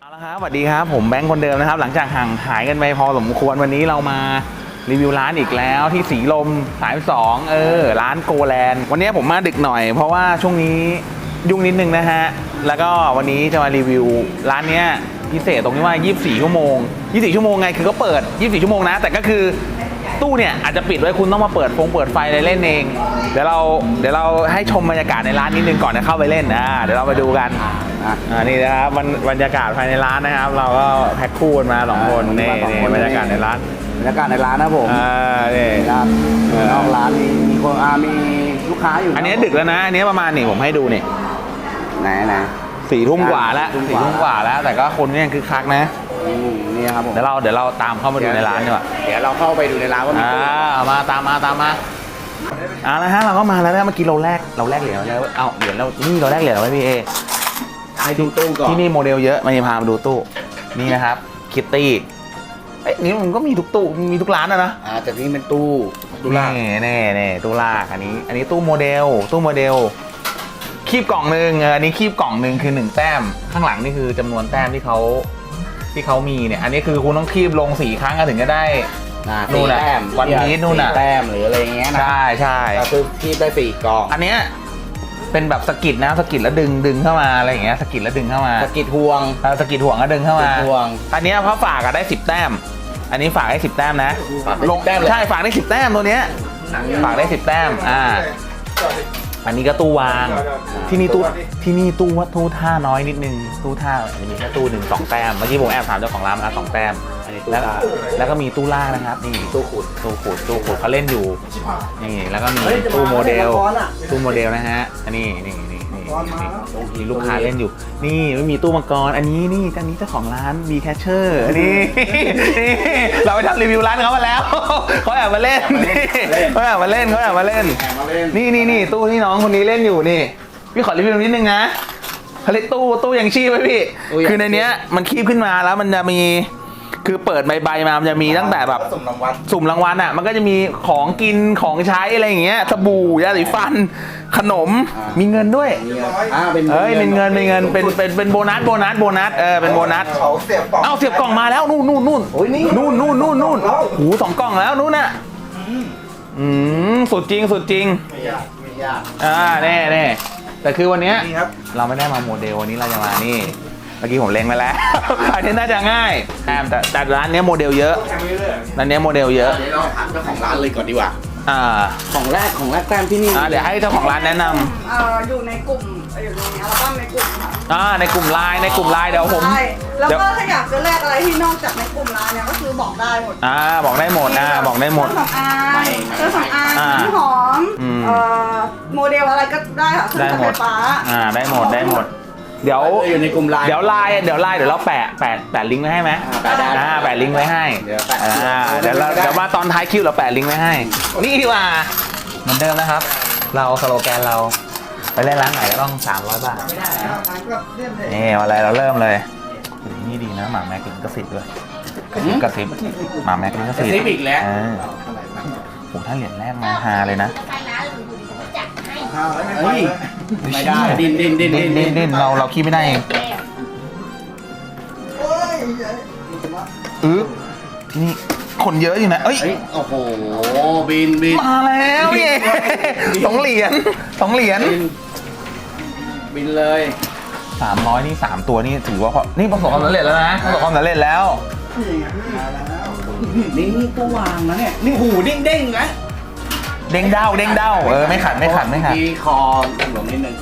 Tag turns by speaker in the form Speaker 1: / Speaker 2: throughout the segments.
Speaker 1: เอาละครับสวัสดีครับผมแบงค์คนเดิมนะครับหลังจากห่างหายกันไปพอสมควรวันนี้เรามารีวิวร้านอีกแล้วที่สีลม32ร้านโกแลนด์วันนี้ผมมาดึกหน่อยเพราะว่าช่วงนี้ยุ่งนิดนึงนะฮะแล้วก็วันนี้จะมารีวิวร้านเนี้ยพิเศษตรงที่ว่า24ชั่วโมง24ชั่วโมงไงคือก็เปิด24ชั่วโมงนะแต่ก็คือตู้เนี่ยอาจจะปิดไว้คุณต้องมาเปิดไฟอะไรเล่นเองเดี๋ยวเราให้ชมบรรยากาศในร้านนิดนึงก่อนจะเข้าไปเล่นเดี๋ยวเราไปดูกันนี่นะครับบรรยากาศภายในร้านนะครับเราก็แพ็คคู่กันมา2คนนี่บรรยากาศในร้าน
Speaker 2: นะผม
Speaker 1: นี่
Speaker 2: ครับนอกร้านมีคนมีลูกค้าอยู่
Speaker 1: อันนี้ดึกแล้วนะอันนี้ประมาณนี่ผมให้ดูนี่
Speaker 2: ไหน
Speaker 1: 4 ทุ่มกว่าแล้ว4 ทุ่มกว่าแล้วแต่ก็คนก็ยังคึกคักนะ
Speaker 2: นี่ครับผม
Speaker 1: เดี๋ยวเราตามเข้ามาดูในร้านดีกว่า
Speaker 2: เดี๋ยวเราเข้าไปดูในร้านว่ามี
Speaker 1: มาตามมาแล้วฮะเราก็มาแล้วนะเมื่อกี้เราแลกเหรียญแล้วเหรียญเรานี่เราแลกเหรียญไว้พี่เอ
Speaker 2: ให้ดูตู้ก่อน
Speaker 1: ที่นี่โมเดลเยอะมาพามาดูตู้นี่นะครับคิตตี้นี่มันก็มีทุกตู้มีทุกร้านนะ
Speaker 2: แต่นี่เป็นตู้
Speaker 1: ลากนี่ตู้ลากอันนี้ตู้โมเดลคีบกล่องหนึ่งอันนี้คีบกล่องหนึ่งคือ1แต้มข้างหลังนี่คือจำนวนแต้มที่เขามีเนี่ยอันนี้คือคุณต้องคีบลง4 ครั้งถึงจะได้
Speaker 2: นู่นน่ะ
Speaker 1: วันพีชนู่นน่ะ
Speaker 2: แต้มหรืออะไรเงี้ยนะ
Speaker 1: ใช่
Speaker 2: ก็คือคีบได้4 กล่อง
Speaker 1: อันเนี้ยเป็นแบบสกิดนะสกิดแล้วดึงเข้ามาอะไรอย่างเงี้ยสกิดแล้วดึงเข้ามา
Speaker 2: สกิดห่วง
Speaker 1: ก็ดึงเข้ามาอันเนี้ยพอฝากได้10 แต้มอันนี้ฝากได้10 แต้มนะ
Speaker 2: ลงแต้ม
Speaker 1: ใช่ฝากได้10 แต้มตัวเนี้ยฝากได้10 แต้มอันนี้ก็ตู้วางที่นี่ตู้ท่าน้อยนิดนึงตู้ท่าจะมีแค่ตู้1 2 แต้มเมื่อกี้ผมแอบถามเจ้าของร้านมา2 แต้มแล้วก็มีตู้ล่างนะครับนี่ตู้ขุดเขาเล่นอยู่นี่แล้วก็มีตู้โมเดลนะฮะอันนี้มีลูกค้าเล่นอยู่นี่ไม่มีตู้มังกรอันนี้เจ้าของร้านมีแคชเชอร์นี่เราไปทำรีวิวร้านเขามาแล้วเขาแอบมาเล่นนี่ตู้ที่น้องคนนี้เล่นอยู่นี่พี่ขอรีวิวนิดนึงนะเขาเรียกตู้ยังชีพไว้พี่คือในเนี้ยมันคีบขึ้นมาแล้วมันจะมีคือเปิดใบมามันจะมีตั้งแต่แบบสุ่มรางวัลมันก็จะมีของกินของใช้อะไรอย่างเงี้ยสบู่ยาสีฟันขนมมีเงินด้วยเป็นเงินเป็นโบนัสเป็นโบนัสเสียบกล่องมาแล้วนู่นหู2 กล่องแล้วนู่นน่ะสุดจริงแน่แต่คือวันนี้เราไม่ได้มาโมเดลวันนี้เราจะมานี่เมื่อกี้ผมเล็งไปแล้วอันนี้น่าจะง่ายแต่ร้านนี้โมเดลเยอะเดี๋ยว
Speaker 2: เราถามเจ้าของร้านเลยก่อนดีกว่าของแรกแต้มที่นี่
Speaker 1: เดี๋ยวให้เจ้าของร้านแนะน
Speaker 3: ำอยู่ในกลุ่มอยู่ในอัลบั้มในกลุ่มค่ะ
Speaker 1: ในกลุ่มไลน์เดี๋ยวผม
Speaker 3: แล้วก็ถ้าอยากจะแลกอะไรที่นอกจากในกลุ่มไลน์เนี่ยก็คือบอกได้หมด
Speaker 1: บอกได้หมด
Speaker 3: เครื่องสำอางน้ำหอมโมเดลอะไรก็ได้ค่ะเครื่องใช้ไฟฟ้า
Speaker 1: ได้หมดเดี๋ยว
Speaker 2: อยู่ในกลุ่มไลน์
Speaker 1: เดี๋ยวเราแปะลิงก์ไว้ให้ไหมแปะลิงก์ไว้ให้เดี๋ยวมาตอนท้ายคิวเราแปะลิงก์ไว้ให้นี่ดีกว่าเหมือนเดิมนะครับเราสโลแกนเราไปเล่นร้านไหนก็ต้อง300 บาทนี่อะไรเราเริ่มเลยนี่ดีนะหมาแม็กลิงกระซิบด้วยกระซิบหมาแม็กลิงกระซิบ
Speaker 2: อีกแล้ว
Speaker 1: ผมถ้าเหรียญแรกมาฮาเลยนะ
Speaker 2: ไม่ได้ดิน
Speaker 1: เราขี้ไม่ได้เองที่นี่คนเยอะอยู่นะ
Speaker 2: โอ้โหบิน
Speaker 1: มาแล้วพี่2 เหรียญ
Speaker 2: บินเลย
Speaker 1: 300นี่3 ตัวนี่ถือว่านี่ประสบความสำเร็จแล้วนะ
Speaker 2: นี่ตัววางนะเนี่ยนี่หูเด้งนะ
Speaker 1: เด้งเด้าไม่ขัด
Speaker 2: ที่คอหลงนิดนึง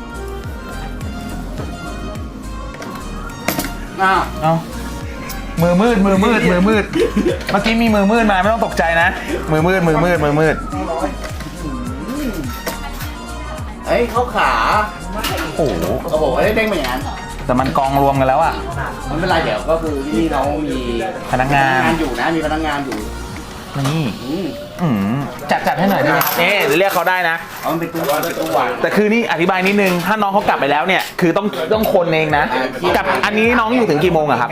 Speaker 1: มือมืดเมื่อกี้มีมือมืดมาไม่ต้องตกใจนะมือมืด
Speaker 2: เข้าขา
Speaker 1: โอ้โห
Speaker 2: เด้งเหมือนกัน
Speaker 1: แต่มันกองรวมกันแล้ว
Speaker 2: ไม่เป็นไรเดี๋ยวก็คือที่นี่เขามี
Speaker 1: พนักงาน
Speaker 2: อยู่นะมีพนักงานอยู่
Speaker 1: นี่จัดให้หน่อยได้ไหมเรียกเขาได้นะ
Speaker 2: มันเป็นตู้วาง
Speaker 1: แต่คือนี่อธิบายนิดนึงถ้าน้องเขากลับไปแล้วเนี่ยคือต้องคนเองนะกับอันนี้น้องอยู่ถึงกี่โมงอะครับ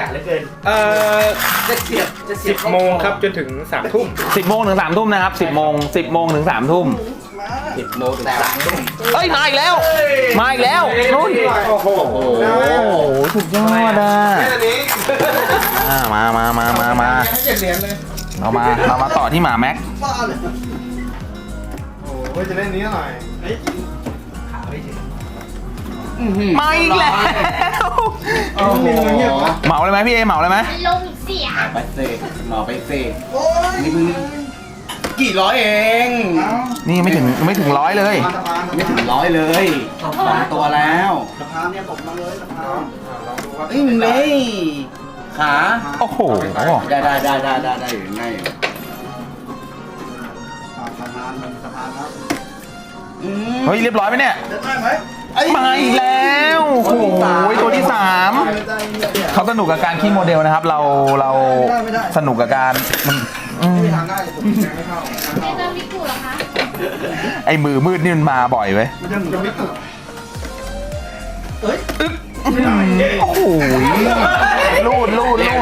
Speaker 4: 10 โมงครับจนถึง3 ทุ่ม
Speaker 1: 10 โมงถึง3 ทุ่มนะครับ10 โมงถึง3 ทุ่ม
Speaker 2: 10 โมงถึง3 ทุ่ม
Speaker 1: เอ้ยมาอีกแล้วมาอีกแล้วนุ่น
Speaker 4: โอ้โห
Speaker 1: โอ้โหสุดยอดอ่ะ
Speaker 4: แค่นี้
Speaker 1: มา
Speaker 4: ให้7 เหรียญเลย
Speaker 1: เรามาต่อที่หมาแม็ก
Speaker 4: โอ้ยจะเล่นนี้หน่อย
Speaker 1: มาอีกแล้ว
Speaker 4: โอ้โห
Speaker 1: เหมาเลยไหมพี่เอเหมาเลยไหม
Speaker 5: ลงอีกเสีย
Speaker 2: ไปเซ่หมอไปเซ่นี่มึงกี่ร้อยเอง
Speaker 1: นี่ไม่ถึงร้อยเลย
Speaker 2: ไม่ถึง100เลย2 ตัวแล้ว
Speaker 4: สะพานเนี่ยตกมาเลยสะพานลองดูครับ
Speaker 2: เอ้ยมึงเลยขา
Speaker 1: โอ้โห
Speaker 2: ได้อยู่ง่ายอยู่
Speaker 4: สะพานครับ
Speaker 1: เฮ้ยเรียบร้อยไหมเนี่ย
Speaker 4: ได้ไหม
Speaker 1: มาอีกแล้วโอ้โหตัวที่ 3เขาสนุกกับการขี้โมเดลนะครับ เราสนุกกับการอืม
Speaker 4: ไม่ทำได้เลยผมยังไม่เข้า
Speaker 5: เจเจอมิกุเหรอคะ
Speaker 1: ไอ้มือมืดนี่มันมาบ่อยเว้ย
Speaker 4: ยังไม่ตึกเอ้ย
Speaker 1: โอ้โหลูด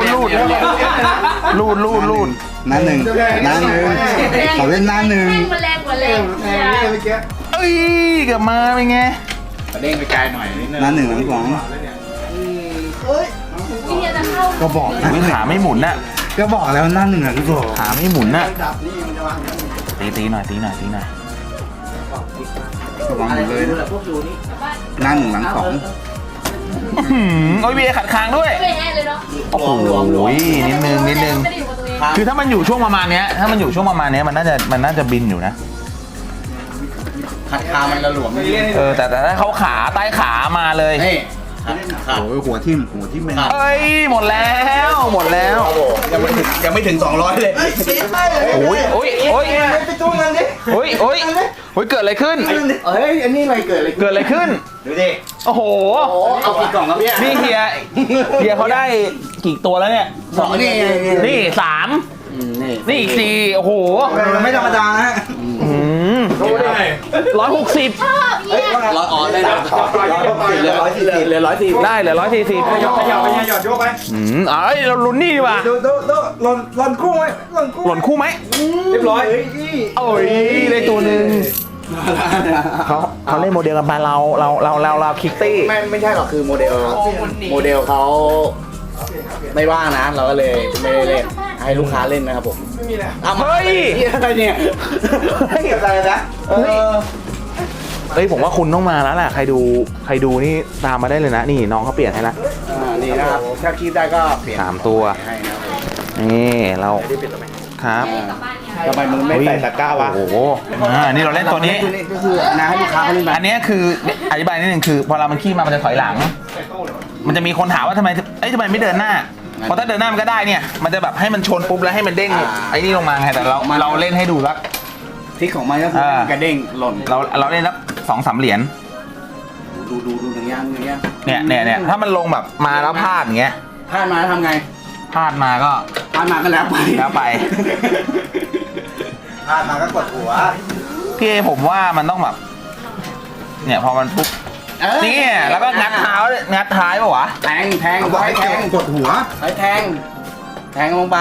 Speaker 2: หน้าหนึ่งขอเล่นหน้าหนึ่ง
Speaker 5: แม่งมาแรงกว่าแรง
Speaker 4: แทงนี่เมื่อกี้
Speaker 1: เอ้ยเกือบมาเป็นไง
Speaker 2: เด้งไปไกลหน่อยนิดนึงหน้าหนึ่งหลังสอง
Speaker 4: เอ้ย
Speaker 5: วิธีจะเข้า
Speaker 2: ก็บอกนะ
Speaker 1: ขาไม่หมุนน่ะ
Speaker 2: ก็บอกแล้วหน้าหนึ่งอ่ะก็บอก
Speaker 1: ขาไม่หมุนน่ะ
Speaker 4: ดับนี่มันจะวางอย่างนี้
Speaker 1: ตีหน่อย
Speaker 2: ระวังอยู่เลยหน้าหนึ่งหลังสอง
Speaker 1: โอ้ยเบียร์ขัดคางด้วย
Speaker 5: ไม่เป็นไงเลยเนาะ
Speaker 1: โอ้โหนิดนึง
Speaker 5: ไม่ได้อยู่กับตัวเอง
Speaker 1: คือถ้ามันอยู่ช่วงประมาณเนี้ยมันน่าจะบินอยู่นะ
Speaker 2: ขัดคามันระหลวมนี่
Speaker 1: แต่ถ้าเขาขาใต้ขามาเลย
Speaker 2: นี่โอ้ยหัวทิ่มไม่
Speaker 1: เอ้ยหมดแล้ว
Speaker 2: ยังไม่ถึง200เลย
Speaker 1: โอ้ย
Speaker 4: ไปจู้เงินดิ
Speaker 1: โอ้ยเกิดอะไรขึ้น
Speaker 2: เฮ้ยอันนี้อะไรเกิดอะไร
Speaker 1: เกิดอะไรขึ้น
Speaker 2: ดูดิ
Speaker 1: โอ้โห
Speaker 2: เอากี่กล่องครับพี่
Speaker 1: นี่เฮียเขาได้กี่ตัวแล้วเนี่ย
Speaker 2: 2นี่
Speaker 1: นี่ 3 นี่อีก 4 โอ้โห
Speaker 4: ไม่ธรรมดานะ
Speaker 1: รู้ได้ไง160
Speaker 5: ชอบเนี่ย
Speaker 2: ร้อยออนได้นะเหลือ140
Speaker 1: ได้เหลือ140
Speaker 4: ขยับไปหยอดโยกไป
Speaker 1: เอ้ยเราลุ้นนี่ดีกว่า
Speaker 4: ดูหล่นคู่ไหมหล่นคู่
Speaker 1: หล่นคู่ไหม
Speaker 4: เรียบร้อย
Speaker 1: โอ้ยได้ตัวหนึ่งเขาเล่นโมเดลกันไปเราคิกตี้
Speaker 2: ไม่ใช่หรอกคือโมเดลเขาไม่ว่างนะ เราก็เลยไม่ได้เล่นให้ลูกค้าเล่นนะครับผม
Speaker 4: ไม่มีแล้ว
Speaker 1: เฮ้ย
Speaker 2: อะไรเนี่ย
Speaker 4: เก็บอะไรนะ
Speaker 1: เฮ้ยผมว่าคุณต้องมาแล้วแหละใครดูนี่ตามมาได้เลยนะนี่น้องเขาเปลี่ยนให้ละ
Speaker 2: นี่นะครับถ้าคิดได้ก็เปลี่ยน
Speaker 1: 3 ตัว
Speaker 2: ให้นะครับผม
Speaker 1: นี่เราครับ
Speaker 5: กลับบ้านเนี่ย
Speaker 2: ทำไมมึงไม่ใส่ตะกร้าวะ
Speaker 1: โอ้โหนี่เราเล่นตัวนี้
Speaker 2: ก็คือนะให้ลูกค้าเขาเล่นไป
Speaker 1: อันนี้คืออธิบายนิดนึงคือพอเรามันขี้มามันจะถอยหลัง มันจะมีคนถามว่าทำไมไม่เดินหน้าเพราะถ้าเดินหน้ามันก็ได้เนี่ยมันจะแบบให้มันชนปุ๊บแล้วให้มันเด้งไอ้นี่ลงมาไงแต่เราเล่นให้ดูแล้ว
Speaker 2: ที่ของมันก็คือกระเด้งหล่น
Speaker 1: เราเล่นสัก2-3 เหรียญ
Speaker 2: ดูอย่างเงี้ย
Speaker 1: เนี่ยถ้ามันลงแบบมาแล้วพลาดอย่างเงี้ย
Speaker 2: พลาดมาทำไง
Speaker 1: พลาดมาก็
Speaker 2: พลาดมาก็แล้วไป
Speaker 1: แล้วไป
Speaker 4: พลาดมาก็กดหัว
Speaker 1: พี่เอผมว่ามันต้องแบบเนี่ยพอมันปุ๊บนี่แล้วก็งัดเท้างัดท้ายป่ะวะ
Speaker 2: แทง
Speaker 4: เอาบอกให้แทงกดหัว
Speaker 2: ให้แทงลงไป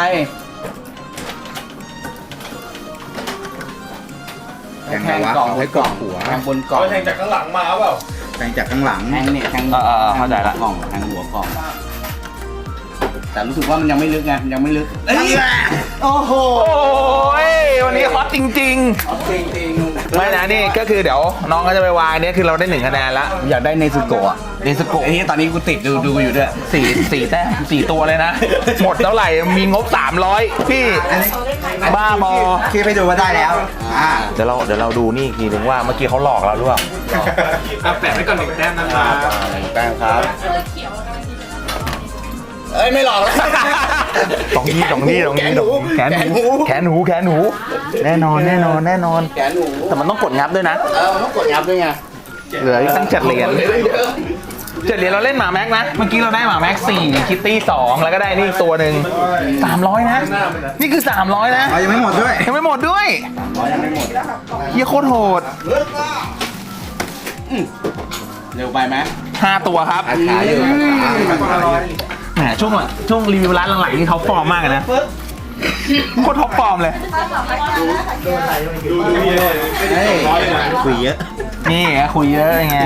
Speaker 2: แทงกล่องหัวแทงบนกล่อง
Speaker 4: แทงจากข้างหลังมาเปล่า
Speaker 2: แทงจากข้างหลังแทงเนี่ยแทง
Speaker 1: เข้าใจละ
Speaker 2: กล่องแทงหัวกล่อง แต่รู้สึกว่ามันยังไม่ลึกไงยังไม่ลึกโอ้โห
Speaker 1: โอ้ยวันนี้ฮอตจริง
Speaker 2: จริง
Speaker 1: ๆไม่นะนี่ก็คือเดี๋ยวน้องก็จะไปวางเนี่ยคือเราได้1 คะแนนแล้ว
Speaker 2: อยากได้เนซุโกะ
Speaker 1: เนสโกะ
Speaker 2: ไอ้นี่ตอนนี้กูติดดูอยู่ด้วย
Speaker 1: สี่แต้ม4 ตัวเลยนะ หมดเท่าไหร่มีงบ300พี่บ้าบอ
Speaker 4: คิดไปดูว่าได้แล้ว
Speaker 1: เดี๋ยวเราดูนี่อีกทีนึงว่าเมื่อกี้เขาหลอกเราหรือเปล่า
Speaker 4: แปะไว้ก่อน1 แต้มนะครับ
Speaker 2: แป้งครับ
Speaker 5: เสื้อเขียวกำลังกินเลยนะ
Speaker 2: เอ้ยไม่หลอกแล้ว
Speaker 1: ตรงนี้แขนหูแน่นอน
Speaker 2: แขนหนู
Speaker 1: แต่มันต้องกดงับด้วยนะ
Speaker 2: มันต้องกดยับด้วยไง
Speaker 1: เหลืออีกตั้ง7 เหรียญ7 เหรียญเราเล่นหมาแม็กนะเมื่อกี้เราได้หมาแม็ก4คิตตี้2แล้วก็ได้นี่ตัวหนึ่ง300นะนี่คือ300นะ
Speaker 4: ยังไม่หมดด้วย
Speaker 1: ยังไม่หมดด้วย
Speaker 2: ยังไม่หมด
Speaker 1: เฮียโคตรโหด
Speaker 2: เร็วไปไหม
Speaker 1: 5 ตัวครับ
Speaker 2: ขายอยู่
Speaker 1: แหมช่วงรีวิวร้านหลังๆนี่เขาฟอร์มมากเลยนะโคตรท็อปฟอร์มเลย
Speaker 2: คุยเยอะ
Speaker 1: นี่คุยเยอะไง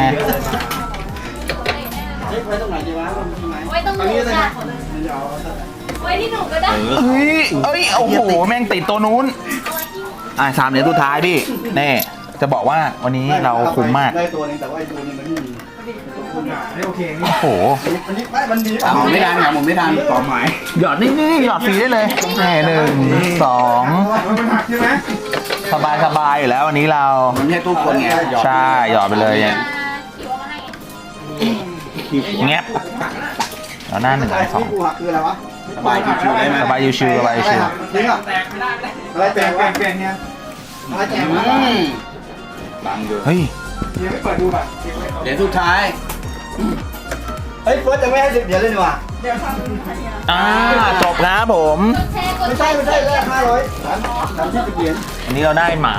Speaker 2: ไว้ตรงไหนดีวะมีไหม
Speaker 5: ไว้ตรงหนูค่ะไว้ที่หนูก็ได้
Speaker 1: เฮ้ยโอ้โห แม่งติดตัวนู้น 3 เหรียญสุดท้ายพี่แน่จะบอกว่าวันนี้เราคุ้มมาก
Speaker 2: ได้ตัวนึงแต่ว่าไอ้ตัวนึงมันไม่มี
Speaker 1: โอ้โห
Speaker 2: หมุนไม่ทันหมุนไม่ทันต่อหมาย
Speaker 1: หยอดนี่หยอดฟรีได้เลยแน่1 2สบายอยู่แล้ววันนี้เรา
Speaker 2: มันไม่ใช่ตู้คนไง
Speaker 1: ใช่หยอดไปเลย
Speaker 5: ขี่เอามาให้
Speaker 1: แงบแล้วหน้า1 2
Speaker 2: คืออะไรวะสบายชิวๆได้ไหม
Speaker 1: สบายชิวๆสบายชิว
Speaker 2: จริงอ่ะอะไรแจกวะเปลี่ยนเนี่ยอะไรแจกวะบังดู
Speaker 1: เฮ้ย
Speaker 2: เหรียญสุดท้ายเฮ้ยเฟิร์สจะไม่ให้10 เหรียญเลยดีกว่า
Speaker 1: จบครับผม
Speaker 5: แชร์กด
Speaker 2: ไม่ใช่แรก500ทำที่10 เหรียญ
Speaker 1: วันนี้เราได้หมา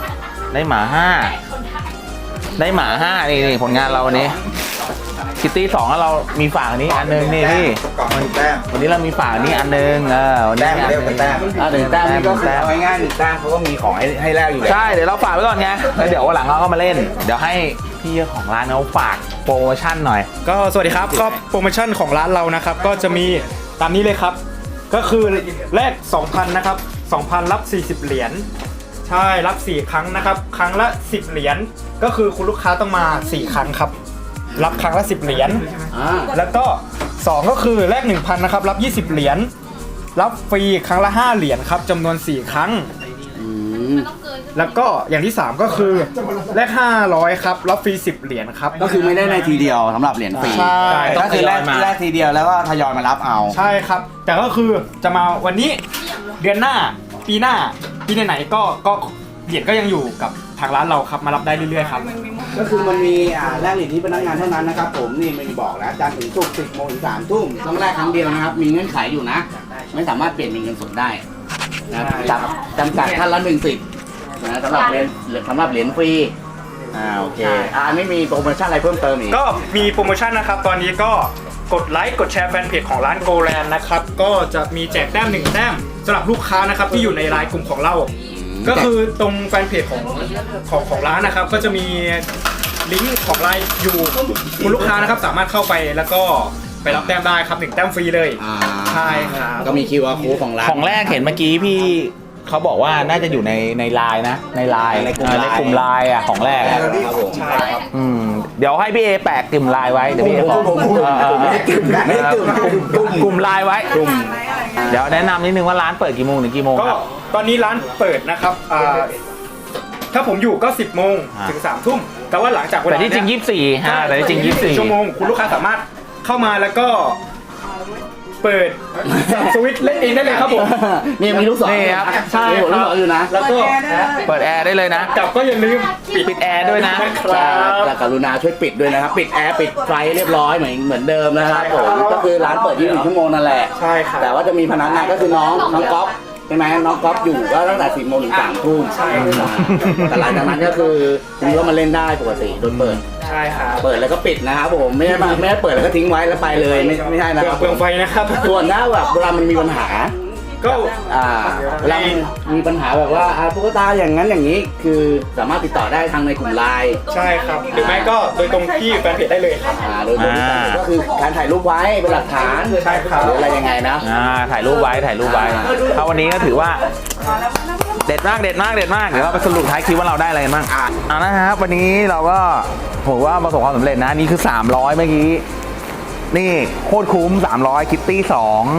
Speaker 1: 5 ได้หมา 5นี่ผลงานเราวันนี้คิตตี้2แล้วเรามีฝากนี้อันนึงนี่พี่
Speaker 2: กล่อง1 แต้ม
Speaker 1: วันนี้เรามีฝากนี้อันนึงวันนี้
Speaker 2: แต้มเรียกเป็นแต้ม1 แต้มนี่ก็คือเอาง่ายๆ1 แต้มเขาก็มีของให้แลกอยู่แล้ว
Speaker 1: ใช่เดี๋ยวเราฝากไว้ก่อนไงแล้วเดี๋ยววันหลังเราก็มาเล่น เดี๋ยวให้พี่เจ้าของร้านเขาฝากโปรโมชั่นหน่อย
Speaker 6: ก็สวัสดีครับก็โปรโมชั่นของร้านเรานะครับก็จะมีตามนี้เลยครับ ก็คือแรก 2,000 นะครับ 2,000 รับ 40 เหรียญใช่รับ 4 ครั้งนะครับ ครั้งละ 10 เหรียญก็คือคุณลูกค้าต้องมา 4 ครั้งครับ รับครั้งละ 10 เหรียญแล้วก็ 2 ก็คือแรก 1,000 นะครับ รับ 20 เหรียญรับฟรีครั้งละ 5 เหรียญครับจำนวน 4 ครั้ง
Speaker 5: มันต้องเกิน
Speaker 6: แล้วก็อย่างที่ 3 ก็คือแรก 500 ครับรับฟรี 10 เหรียญครับ
Speaker 2: ก็คือไม่ได้ในทีเดียวสำหรับเหรียญฟรี
Speaker 6: ใช่
Speaker 2: ก็คือแรกทีเดียวแล้วก็ทยอยมารับเอา
Speaker 6: ใช่ครับ แต่ก็คือจะมาวันนี้เดือนหน้าปีหน้าปีไหนๆก็เหรียญก็ยังอยู่กับทางร้านเราครับมารับได้เรื่อยๆครับ
Speaker 2: ก็คือมันมีแลกเหรียญที่พนักงานเท่านั้นนะครับผมนี่ไม่มีบอกแล้วจันทร์ถึงศุกร์10 โมงถึง 3 ทุ่มต้องแลกครั้งเดียวนะครับมีเงื่อนไขอยู่นะ ไม่สามารถเปลี่ยนเป็นเงินสดได้นะจำกัดท่านละ1 สิทธิ์นะสำหรับเหรียญฟรีโอเคอันนี้มีโปรโมชั่นอะไรเพิ่มเติมอีก
Speaker 6: ก็มีโปรโมชั่นนะครับ ตอนนี้ก็กดไลค์กดแชร์แฟนเพจของร้านโกแลนด์นะครับก็จะมีแจกแต้ม1 แต้มสำหรับลูกค้านะครับที่อยู่ในไลน์กลุ่มของเรา ก็คือตรงแฟนเพจของร้านนะครับก็จะมีลิงก์ของไลน์อยู่คุณลูกค้านะครับสามารถเข้าไปแล้วก็ไปรับแต้มได้ครับ1 แต้มฟรีเลยใช่ครับ
Speaker 2: ก็มี QR code ของร้าน
Speaker 1: ของแรกเห็นเมื่อกี้พี่เขาบอกว่าน่าจะอยู่ในไลน์นะในไลน์
Speaker 2: ในกลุ่มไลน์
Speaker 1: ในกลุ่มไลน์ของแรก
Speaker 2: ครับผม
Speaker 6: ใช่ครับ
Speaker 1: เดี๋ยวให้พี่เอแปะกลุ่มไลน์ไว้เดี๋ยวพี่เอบอก
Speaker 2: ไม่ได้กลุ่มไม่ได้กลุ่ม
Speaker 1: กลุ่มไลน์ไว้เดี๋ยวแนะนำนิดนึงว่าร้านเปิดกี่โมงถึงกี่โมง
Speaker 6: ก็
Speaker 1: ครับ
Speaker 6: ตอนนี้ร้านเปิดนะครับถ้าผมอยู่ก็ 10 โมงถึง 3 ทุ่มแต่ว่าหลังจากเว
Speaker 1: แต่
Speaker 6: ลา
Speaker 1: ที่จริง
Speaker 6: เนี้ย
Speaker 1: 24ฮะแต่ที่จริง
Speaker 6: ชั่วโมงคุณลูกค้าสามารถเข้ามาแล้วก็เปิดสวิตช์เล่นเองได้เลยครับผม
Speaker 2: นี่มีลูกศร
Speaker 1: นี่ครับ
Speaker 6: ใช่
Speaker 2: มีหัวลูกศรอยู่นะ
Speaker 6: แล้วก็
Speaker 1: เปิดแอร์ได้เลยนะ
Speaker 6: กลับก็อย่าลืม
Speaker 1: ปิดแอร์ด้วยนะ
Speaker 6: ครับ
Speaker 2: แต่กรุณาช่วยปิดด้วยนะครับ ปิดแอร์ปิดไฟเรียบร้อยเหมือนเดิมนะครับผมก็คือร้านเปิด24 ชั่วโมงนั่นแหละ
Speaker 6: ใช่ครับ
Speaker 2: แต่ว่าจะมีพนักงานก็คือน้องก๊อฟใช่ไหมน้องก๊อฟอยู่ก็ตั้งแต่ 10 โมงถึง 3 ทุ่ม
Speaker 6: ใช่ครับ
Speaker 2: แต่หลังจากนั้นก็คือคุณก็มาเล่นได้ปกติโดยเปิด
Speaker 6: ใช่ครับ
Speaker 2: เปิดแล้วก็ปิดนะครับผมไม่ได้เปิดแล้วก็ทิ้งไว้แล้วไปเลยไม่ใช่นะ
Speaker 6: เปลื
Speaker 2: ค
Speaker 6: อ
Speaker 2: รั
Speaker 6: ง
Speaker 2: บ
Speaker 6: ไฟนะครับ
Speaker 2: ส่วนถ้าแบบเวลามันมีปัญหา
Speaker 6: ก็
Speaker 2: เวลามีปัญหาแบบว่าตุ๊กตาอย่างนั้นอย่างนี้ คือสามารถติดต่อได้ทางในกลุ่มไลน์
Speaker 6: ใช่ครับหรือไม่ก็โดยตรงที่แฟนเพจได้เลยครับ
Speaker 2: โดยก็คือการถ่ายรูปไว้เป็นหลักฐาน
Speaker 6: ใช่ครับ
Speaker 2: หรืออะไรยังไงนะ
Speaker 1: ถ่ายรูปไว้ถ้าวันนี้ก็ถือว่าเด็ดมากเดี๋ยวเราไปสรุปท้ายคลิปว่าเราได้อะไรกันบ้างนะครับวันนี้เราก็ผมว่าประสบความสำเร็จนะนี่คือ300เมื่อกี้นี่โคตรคุ้ม300คิตตี้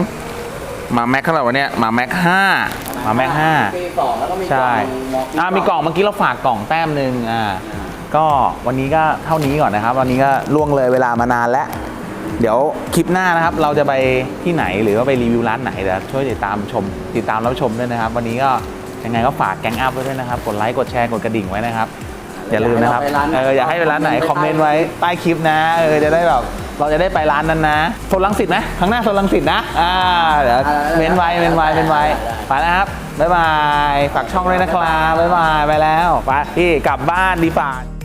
Speaker 1: 2มาแม็กเท่าไหร่วะเนี่ยมาแม็ก5มาแม็ก5
Speaker 2: ปี2แล้วก็มี
Speaker 1: ใช่มีกล่องเมื่อกี้เราฝากกล่องแต้มหนึ่งก็วันนี้ก็เท่านี้ก่อนนะครับวันนี้ก็ล่วงเลยเวลามานานแล้วเดี๋ยวคลิปหน้านะครับเราจะไปที่ไหนหรือว่าไปรีวิวร้านไหนเดี๋ยวช่วยติดตามรับชมด้วยนะครับวันนี้ก็ยังไงก็ฝากแก๊งอัพไว้ด้วยนะครับกดไลค์กดแชร์กดกระดิ่งไว้นะครับอย่าลืมนะครับอยากให้ไปร้านไหนคอมเมนต์ไว้ใต้คลิปนะจะได้แบบเราจะได้ไปร้านนั้นนะโซนรังสิตนะครั้งหน้าโซนรังสิตนะเดี๋ยวเว้นไว้ไปแล้วครับบ๊ายบายฝากช่องด้วยนะครับบ๊ายบายไปแล้วไปพี่กลับบ้านดีฝ่า